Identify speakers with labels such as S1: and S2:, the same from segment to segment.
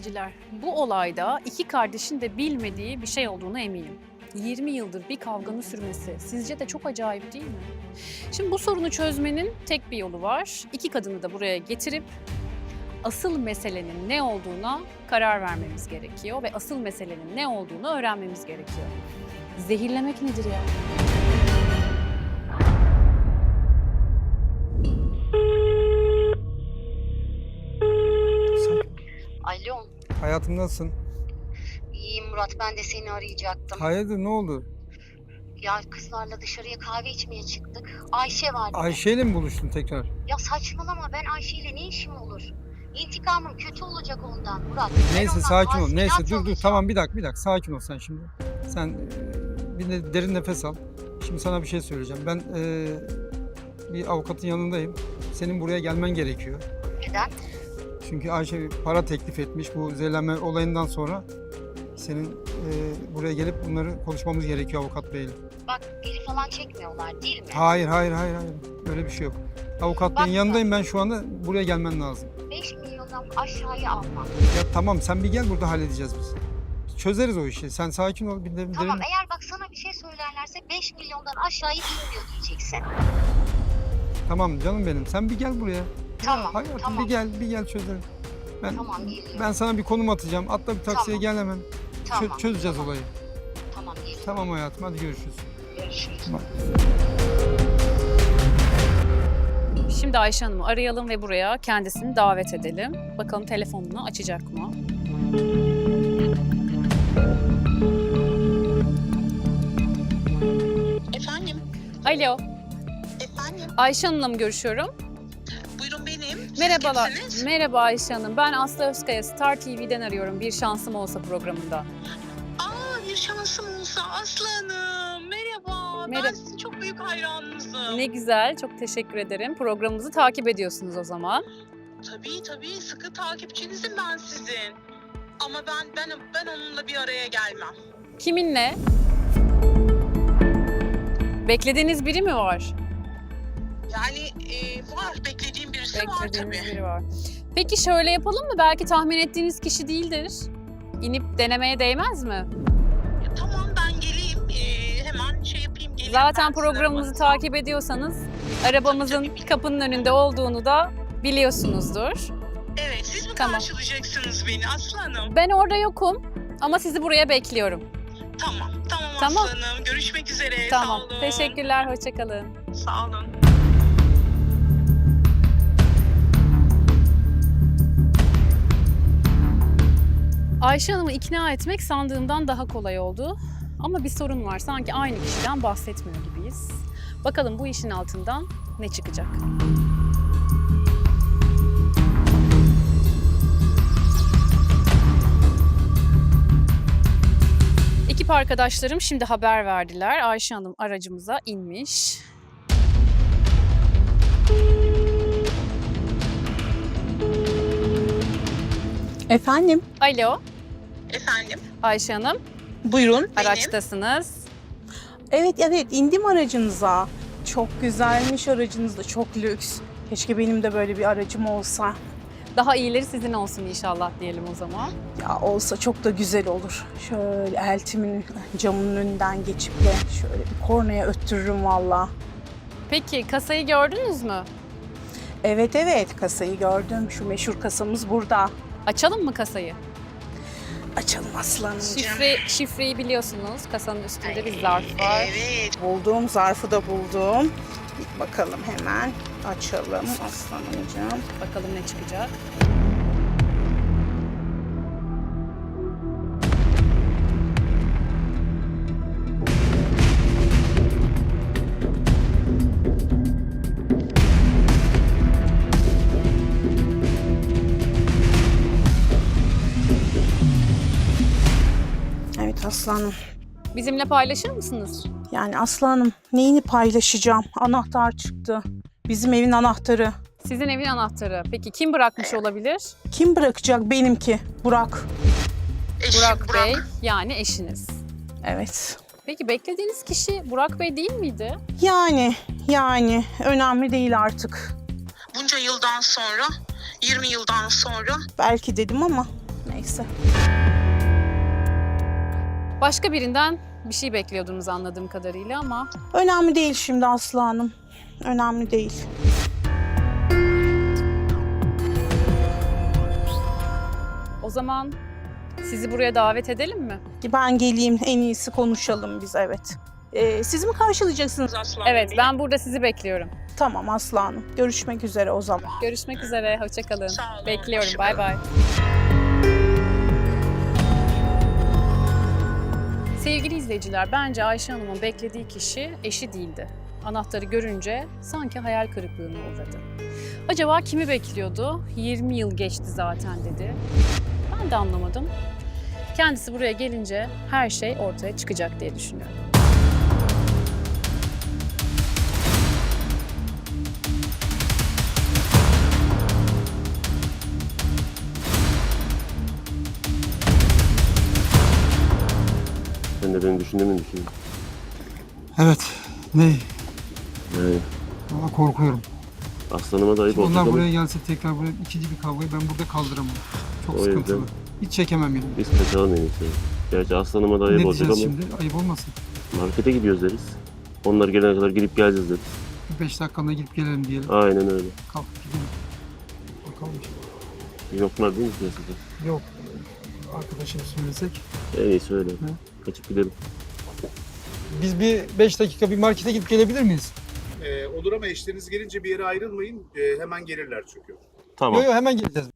S1: seyirciler, bu olayda iki kardeşin de bilmediği bir şey olduğunu eminim. 20 yıldır bir kavganın sürmesi sizce de çok acayip değil mi? Şimdi bu sorunu çözmenin tek bir yolu var. İki kadını da buraya getirip asıl meselenin ne olduğuna karar vermemiz gerekiyor ve asıl meselenin ne olduğunu öğrenmemiz gerekiyor. Zehirlemek nedir ya?
S2: Alo,
S3: Hayatım nasılsın?
S2: iyiyim Murat. Ben de seni arayacaktım.
S3: Hayırdır, ne oldu?
S2: Ya kızlarla dışarıya kahve içmeye çıktık. Ayşe var.
S3: Ayşe'yle mi buluştun tekrar?
S2: Ya saçmalama, ben Ayşe'yle ne işim olur? İntikamım kötü olacak ondan Murat. Ben
S3: Neyse
S2: ondan
S3: sakin ol.
S2: tazminat
S3: Neyse dur
S2: alacağım.
S3: tamam bir dakika sakin ol sen şimdi. Sen bir de derin nefes al. Şimdi sana bir şey söyleyeceğim. Ben bir avukatın yanındayım. Senin buraya gelmen gerekiyor.
S2: Neden?
S3: Çünkü Ayşe bir para teklif etmiş bu zehirlenme olayından sonra. Senin buraya gelip bunları konuşmamız gerekiyor avukat beyle.
S2: Bak geri falan çekmiyorlar değil mi?
S3: Hayır. Öyle bir şey yok. Avukat beyin
S2: Bak-
S3: yanındayım ben şu anda. Buraya gelmen lazım.
S2: 5 milyondan aşağıya almam.
S3: Ya tamam sen bir gel, burada halledeceğiz biz. Çözeriz o işi. Sen sakin ol. Bir de,
S2: Tamam, eğer bak sana bir şey söylerlerse 5 milyondan aşağıya inmiyor diyeceksin.
S3: Tamam canım benim. Sen bir gel buraya.
S2: Tamam,
S3: Hayatım
S2: tamam.
S3: bir gel çözelim.
S2: Tamam, geliyorum.
S3: Ben sana bir konum atacağım. Atla bir taksiye
S2: Tamam.
S3: gel hemen.
S2: Tamam,
S3: Çözeceğiz
S2: tamam.
S3: olayı.
S2: Tamam, geliyorum.
S3: Tamam hayatım, hadi görüşürüz.
S2: Görüşürüz.
S3: Bak.
S1: Şimdi Ayşe Hanım'ı arayalım ve buraya kendisini davet edelim. Bakalım telefonunu açacak mı?
S4: Efendim,
S1: Alo,
S4: efendim.
S1: Ayşe Hanım'la mı görüşüyorum?
S4: Buyurun benim. Siz
S1: Merhabalar.
S4: kimsiniz?
S1: Merhaba Ayşe Hanım. Ben Aslı Özkaya, Star TV'den arıyorum. Bir şansım olsa programında.
S4: Aa, bir şansım olsa Aslı Hanım. Merhaba.
S1: Merhaba.
S4: Ben sizin çok büyük hayranınızım.
S1: Ne güzel, çok teşekkür ederim. Programımızı takip ediyorsunuz o zaman.
S4: Tabii, sıkı takipçinizim ben sizin. Ama ben onunla bir araya gelmem.
S1: Kiminle? Beklediğiniz biri mi var?
S4: Yani var, beklediğim birisi var
S1: Beklediğiniz
S4: tabii.
S1: biri var. Peki şöyle yapalım mı? Belki tahmin ettiğiniz kişi değildir. İnip denemeye değmez mi?
S4: Tamam, ben geleyim. Hemen şey yapayım, geleyim.
S1: Zaten
S4: ben size
S1: programımızı
S4: WhatsApp.
S1: takip ediyorsanız arabamızın kapının önünde olduğunu da biliyorsunuzdur.
S4: Evet, siz mi
S1: Tamam.
S4: karşılayacaksınız beni Aslı Hanım?
S1: Ben orada yokum ama sizi buraya bekliyorum.
S4: Tamam
S1: Tamam.
S4: Aslı Hanım. Görüşmek üzere.
S1: Tamam.
S4: Sağ olun.
S1: Teşekkürler, hoşça kalın.
S4: Sağ olun.
S1: Ayşe Hanım'ı ikna etmek sandığımdan daha kolay oldu. Ama bir sorun var. Sanki aynı kişiden bahsetmiyor gibiyiz. Bakalım bu işin altından ne çıkacak? Ekip arkadaşlarım şimdi haber verdiler. Ayşe Hanım aracımıza inmiş.
S5: Efendim?
S1: Alo,
S4: Efendim.
S1: Ayşe Hanım.
S5: Buyurun.
S1: Araçtasınız.
S5: Evet indim aracınıza. Çok güzelmiş aracınız da, çok lüks. Keşke benim de böyle bir aracım olsa.
S1: Daha iyileri sizin olsun inşallah diyelim o zaman.
S5: Ya olsa çok da güzel olur. Şöyle eltimin camının önünden geçip de şöyle bir kornaya öttürürüm valla.
S1: Peki kasayı gördünüz mü?
S5: Evet kasayı gördüm. Şu meşhur kasamız burada.
S1: Açalım mı kasayı?
S5: Açalım aslanımcığım.
S1: Şifreyi biliyorsunuz. Kasanın üstünde bir zarf var.
S4: Evet.
S5: Buldum, zarfı da buldum. Bir bakalım hemen. Açalım aslanımcığım.
S1: Bakalım ne çıkacak.
S5: Evet aslanım.
S1: Bizimle paylaşır mısınız?
S5: Yani aslanım neyini paylaşacağım? Anahtar çıktı. Bizim evin anahtarı.
S1: Sizin evin anahtarı. Peki kim bırakmış olabilir?
S5: Kim bırakacak? Benimki. Burak.
S4: Eşim
S1: Burak Bey, yani eşiniz.
S5: Evet.
S1: Peki beklediğiniz kişi Burak Bey değil miydi?
S5: Yani önemli değil artık.
S4: Bunca yıldan sonra, 20 yıldan sonra
S5: Belki dedim ama neyse. neyse.
S1: Başka birinden bir şey bekliyordunuz anladığım kadarıyla ama
S5: Önemli değil şimdi Aslı Hanım. Önemli değil.
S1: o zaman sizi buraya davet edelim mi?
S5: Ben geleyim, en iyisi konuşalım biz, evet. Siz mi karşılayacaksınız?
S4: Aslan
S1: Evet,
S4: Bey.
S1: ben burada sizi bekliyorum.
S5: Tamam Aslı Hanım. Görüşmek üzere o zaman.
S1: Görüşmek üzere, hoşça kalın.
S4: Sağ olun,
S1: Bekliyorum,
S4: hoşça
S1: bay
S4: kalın.
S1: bay. Sevgili izleyiciler, bence Ayşe Hanım'ın beklediği kişi eşi değildi. Anahtarı görünce sanki hayal kırıklığına uğradı. Acaba kimi bekliyordu? 20 yıl geçti zaten dedi. Ben de anlamadım. Kendisi buraya gelince her şey ortaya çıkacak diye düşünüyorum.
S6: Sen de beni düşündüğümü düşün.
S3: Evet. Ne?
S6: Yani
S3: Ama korkuyorum.
S6: aslanıma da ayıp olacak
S3: Onlar
S6: ama
S3: buraya gelse tekrar buraya ikinci bir kavgayı ben burada kaldıramam. Çok
S6: O
S3: sıkıntılı.
S6: yüzden-
S3: Hiç çekemem yani.
S6: biz kaçalım en iyisi. Gerçi aslanıma da ayıp
S3: Ne
S6: olacak
S3: diyeceğiz
S6: ama
S3: şimdi? Ayıp olmasın.
S6: markete gidiyoruz deriz. Onlar gelene kadar gidip geleceğiz deriz.
S3: Bir 5 dakikada gidip gelelim diyelim.
S6: Aynen öyle.
S3: Kalk gidelim. Bakalım.
S6: Yoklar değil mi piyasada?
S3: Yok. Arkadaşım söylesek.
S6: En iyisi öyle. Kaçıp gidelim.
S3: Biz bir 5 dakika bir markete gidip gelebilir miyiz?
S7: Olur ama eşleriniz gelince bir yere ayrılmayın. Hemen gelirler çünkü.
S6: Tamam.
S3: Yok hemen geleceğiz.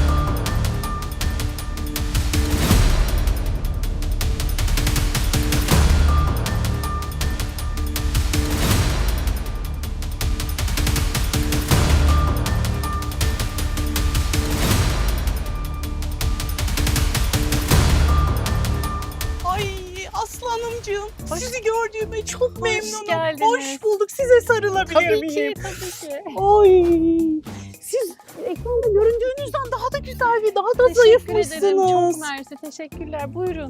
S5: Ay Aslı Hanımcığım, sizi gördüğüme çok memnunum.
S1: geldiniz.
S5: Hoş bulduk. Size sarılabilir
S1: Tabii
S5: miyim?
S1: ki, tabii ki.
S5: Ay, siz ekranda göründüğünüzden daha da güzel ve daha da
S1: Teşekkür ederim,
S5: zayıfmışsınız.
S1: çok mersi. Teşekkürler, buyurun.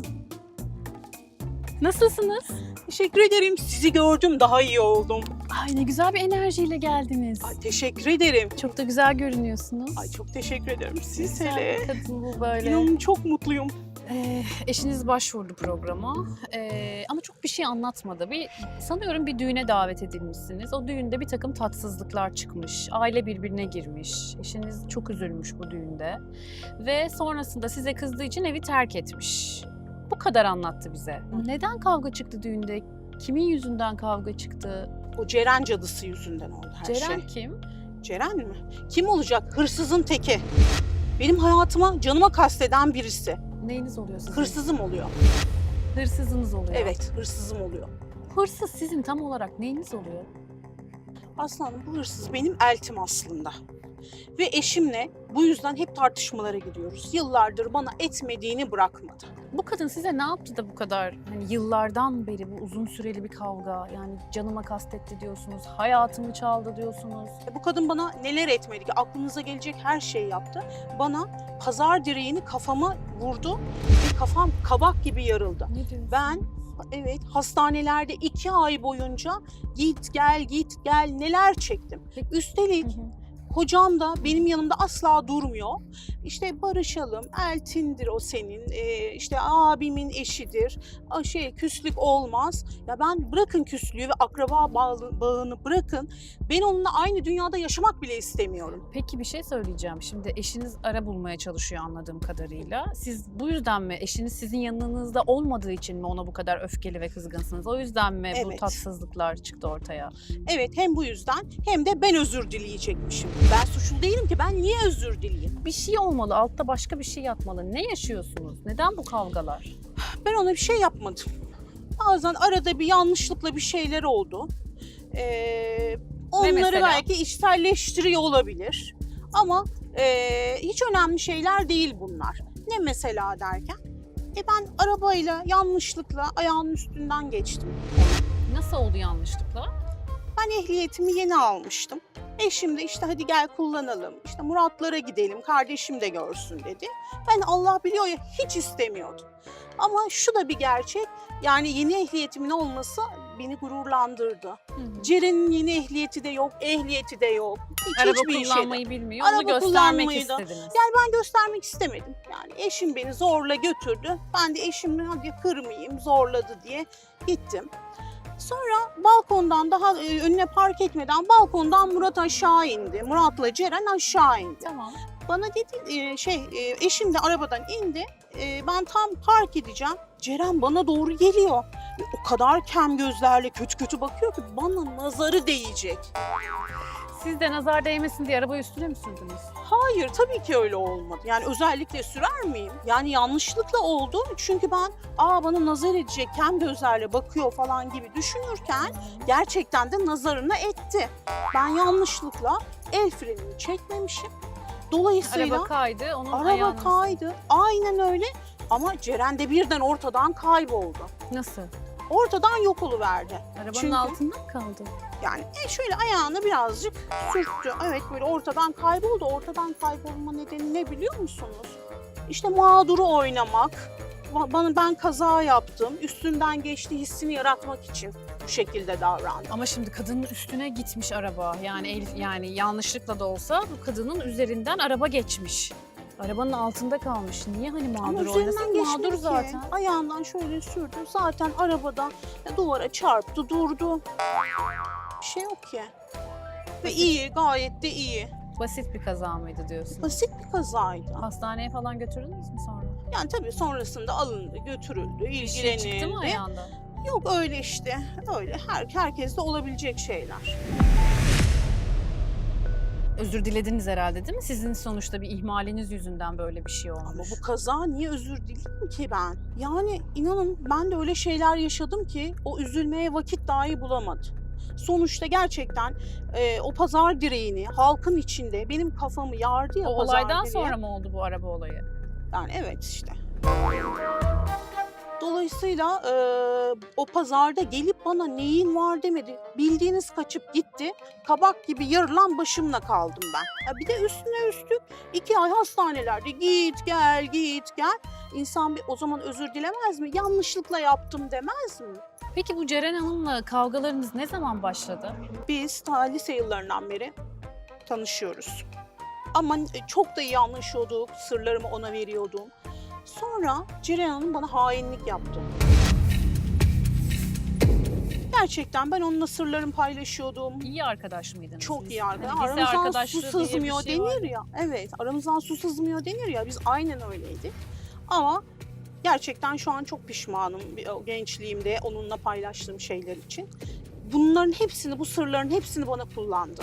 S1: Nasılsınız?
S5: Teşekkür ederim. Sizi gördüm, daha iyi oldum.
S1: Ay ne güzel bir enerjiyle geldiniz.
S5: Ay, teşekkür ederim.
S1: Çok da güzel görünüyorsunuz.
S5: Ay çok teşekkür ederim. Siz
S1: Güzel
S5: hele.
S1: bir kadın bu böyle.
S5: İnanın çok mutluyum.
S1: Eşiniz başvurdu programa ama çok bir şey anlatmadı. Sanıyorum bir düğüne davet edilmişsiniz. O düğünde bir takım tatsızlıklar çıkmış. Aile birbirine girmiş. Eşiniz çok üzülmüş bu düğünde. Ve sonrasında size kızdığı için evi terk etmiş. Bu kadar anlattı bize. Neden kavga çıktı düğünde? Kimin yüzünden kavga çıktı?
S5: O Ceren cadısı yüzünden oldu her
S1: Ceren
S5: şey.
S1: kim?
S5: Ceren mi? Kim olacak? Hırsızın teki. Benim hayatıma, canıma kasteden birisi.
S1: Neyiniz oluyor sizin?
S5: Hırsızım oluyor.
S1: Hırsızınız oluyor.
S5: Evet, hırsızım oluyor.
S1: Hırsız sizin tam olarak neyiniz oluyor?
S5: Aslanım, bu hırsız benim eltim aslında. Ve eşimle bu yüzden hep tartışmalara gidiyoruz. Yıllardır bana etmediğini bırakmadı.
S1: Bu kadın size ne yaptı da bu kadar hani yıllardan beri bu uzun süreli bir kavga, yani canıma kastetti diyorsunuz, hayatımı çaldı diyorsunuz.
S5: Bu kadın bana neler etmedi ki, aklınıza gelecek her şeyi yaptı. Bana pazar direğini kafama vurdu ve kafam kabak gibi yarıldı.
S1: Ne diyorsunuz?
S5: Ben evet hastanelerde 2 ay boyunca git gel neler çektim.
S1: Peki.
S5: Üstelik
S1: Hı hı.
S5: kocam da benim yanımda asla durmuyor. İşte barışalım, eltindir o senin, işte abimin eşidir, küslük olmaz. Ya ben bırakın küslüğü ve akraba bağını bırakın. Ben onunla aynı dünyada yaşamak bile istemiyorum.
S1: Peki bir şey söyleyeceğim. Şimdi eşiniz ara bulmaya çalışıyor anladığım kadarıyla. Siz bu yüzden mi, eşiniz sizin yanınızda olmadığı için mi ona bu kadar öfkeli ve kızgınsınız? O yüzden mi bu
S5: Evet.
S1: tatsızlıklar çıktı ortaya?
S5: Evet, hem bu yüzden hem de ben özür dileyecekmişim. Ben suçlu değilim ki, ben niye özür dileyeyim?
S1: Bir şey olmalı, altta başka bir şey yatmalı. Ne yaşıyorsunuz? Neden bu kavgalar?
S5: Ben ona bir şey yapmadım. Bazen arada bir yanlışlıkla bir şeyler oldu. Onları
S1: mesela?
S5: belki içselleştiriyor olabilir. Ama hiç önemli şeyler değil bunlar. Ne mesela derken? Ben arabayla yanlışlıkla ayağının üstünden geçtim.
S1: Nasıl oldu yanlışlıkla?
S5: Ben ehliyetimi yeni almıştım. Eşim de işte hadi gel kullanalım, işte Muratlara gidelim, kardeşim de görsün dedi. Ben Allah biliyor ya hiç istemiyordum. Ama şu da bir gerçek, yani yeni ehliyetimin olması beni gururlandırdı.
S1: Hı hı.
S5: Ceren'in yeni ehliyeti de yok, ehliyeti de yok.
S1: Araba
S5: hiçbir işe de-
S1: kullanmayı bilmiyor.
S5: Araba
S1: Onu göstermek
S5: kullanmayı da-
S1: istediniz.
S5: Yani ben göstermek istemedim. Yani eşim beni zorla götürdü. Ben de eşimi hadi kırmayayım zorladı diye gittim. Sonra balkondan daha önüne park etmeden balkondan Murat aşağı indi. Murat'la Ceren aşağı indi.
S1: Tamam.
S5: Bana dedi eşim de arabadan indi. Ben tam park edeceğim. Ceren bana doğru geliyor. O kadar kem gözlerle kötü kötü bakıyor ki bana nazarı değecek.
S1: Siz de nazar değmesin diye arabayı üstüne mi sürdünüz?
S5: Hayır tabii ki öyle olmadı. Yani özellikle sürer miyim? Yani yanlışlıkla oldu. Çünkü ben bana nazar edecek kem gözlerle bakıyor falan gibi düşünürken gerçekten de nazarına etti. Ben yanlışlıkla el frenini çekmemişim. Dolayısıyla
S1: Araba kaydı, onun
S5: araba
S1: ayağını...
S5: kaydı. Aynen öyle. Ama Ceren de birden ortadan kayboldu.
S1: Nasıl?
S5: Ortadan yok oluverdi.
S1: Arabanın
S5: Çünkü-
S1: altında mı kaldı?
S5: Yani şöyle ayağını birazcık sürttü. Evet böyle ortadan kayboldu. Ortadan kaybolma nedeni ne biliyor musunuz? İşte mağduru oynamak. Ben kaza yaptım. Üstünden geçti hissini yaratmak için bu şekilde davrandım.
S1: Ama şimdi kadının üstüne gitmiş araba. Yani yanlışlıkla da olsa bu kadının üzerinden araba geçmiş. Arabanın altında kalmış. Niye hani
S5: Ama
S1: mağdur
S5: üzerinden
S1: oynasın?
S5: geçmedi
S1: Mağdur
S5: ki.
S1: zaten.
S5: Ayağından şöyle sürdü. Zaten arabada duvara çarptı, durdu. Bir şey yok ki. Ve iyi, gayet de iyi.
S1: Basit bir kaza mıydı diyorsun?
S5: Basit bir kazaydı.
S1: Hastaneye falan götürdünüz mü sonra?
S5: Yani tabii sonrasında alındı, götürüldü,
S1: Bir şey çıktı mı
S5: ilgilenildi.
S1: ayağında?
S5: Yok öyle işte. Öyle. Herkeste olabilecek şeyler.
S1: Özür dilediniz herhalde değil mi? Sizin sonuçta bir ihmaliniz yüzünden böyle bir şey olmuş.
S5: Ama bu kaza niye özür dileyim ki ben? Yani inanın ben de öyle şeyler yaşadım ki o üzülmeye vakit dahi bulamadım. Sonuçta gerçekten o pazar direğini halkın içinde benim kafamı yardı ya
S1: O
S5: pazar
S1: olaydan
S5: direği.
S1: sonra mı oldu bu araba olayı?
S5: Yani evet işte. Dolayısıyla o pazarda gelip bana neyin var demedi. Bildiğiniz kaçıp gitti. Kabak gibi yarılan başımla kaldım ben. Ya bir de üstüne üstlük 2 ay hastanelerde git gel git gel. İnsan bir o zaman özür dilemez mi? Yanlışlıkla yaptım demez mi?
S1: Peki bu Ceren Hanım'la kavgalarınız ne zaman başladı?
S5: Biz ta lise yıllarından beri tanışıyoruz. Ama çok da iyi anlaşıyorduk. Sırlarımı ona veriyordum. Sonra Ceren Hanım bana hainlik yaptı. Gerçekten ben onunla sırlarımı paylaşıyordum.
S1: İyi arkadaş mıydınız?
S5: Çok
S1: siz?
S5: iyi arkadaş.
S1: Hani lise
S5: Aramızdan
S1: arkadaşlığı
S5: su
S1: diye bir
S5: sızmıyor
S1: şey var.
S5: denir ya. Evet, aramızdan su sızmıyor denir ya. Biz aynen öyleydik. Ama gerçekten şu an çok pişmanım o gençliğimde onunla paylaştığım şeyler için. Bunların hepsini, bu sırların hepsini bana kullandı.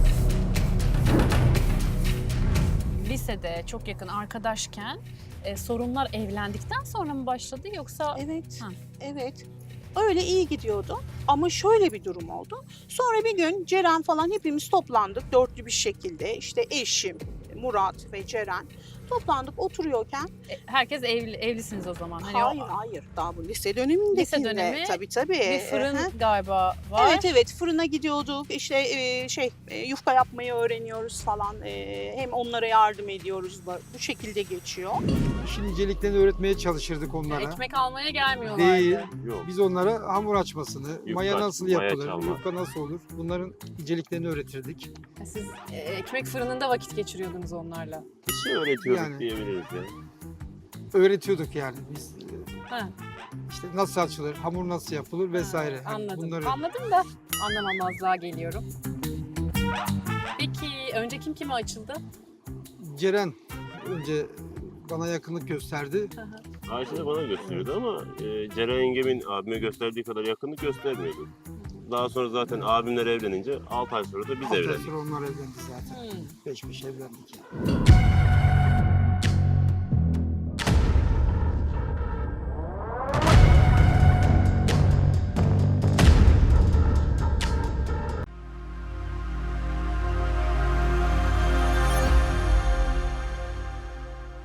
S1: Lisede çok yakın arkadaşken sorunlar evlendikten sonra mı başladı yoksa?
S5: Evet,
S1: Ha.
S5: evet. Öyle iyi gidiyordu. Ama şöyle bir durum oldu. Sonra bir gün Ceren falan hepimiz toplandık dörtlü bir şekilde. İşte eşim, Murat ve Ceren toplandık oturuyorken.
S1: Herkes evlisiniz o zaman. Hani
S5: Hayır, hayır. Daha bu lise dönemindekinde.
S1: Lise dönemi,
S5: Tabii.
S1: bir fırın
S5: Aha.
S1: galiba var.
S5: Evet fırına gidiyorduk işte yufka yapmayı öğreniyoruz falan. Hem onlara yardım ediyoruz bu şekilde geçiyor.
S3: İşin inceliklerini öğretmeye çalışırdık onlara.
S1: Ekmek almaya gelmiyorlardı.
S3: Değil.
S6: Yok.
S3: Biz onlara hamur açmasını, maya nasıl
S6: maya
S3: yapılır,
S6: çalma.
S3: yufka nasıl olur bunların inceliklerini öğretirdik.
S1: Siz ekmek fırınında vakit geçiriyordunuz onlarla.
S6: Bir şey öğretiyorduk
S3: Yani.
S6: diyebiliriz ya.
S3: Öğretiyorduk yani biz.
S1: Ha,
S3: İşte nasıl açılır, hamur nasıl yapılır vesaire. Hani
S1: anladım.
S3: bunları
S1: Anladım da anlamamazlığa geliyorum. Peki önce kim kime açıldı?
S3: Ceren önce bana yakınlık gösterdi.
S6: Ayşe de bana gösteriyordu ama Ceren yengemin abime gösterdiği kadar yakınlık göstermiyordu. Daha sonra zaten abimler evlenince 6 ay sonra da biz
S3: 6 ay
S6: evlendik.
S3: sonra onlar evlendi zaten.
S1: Hmm.
S3: Peş peşe evlendik yani.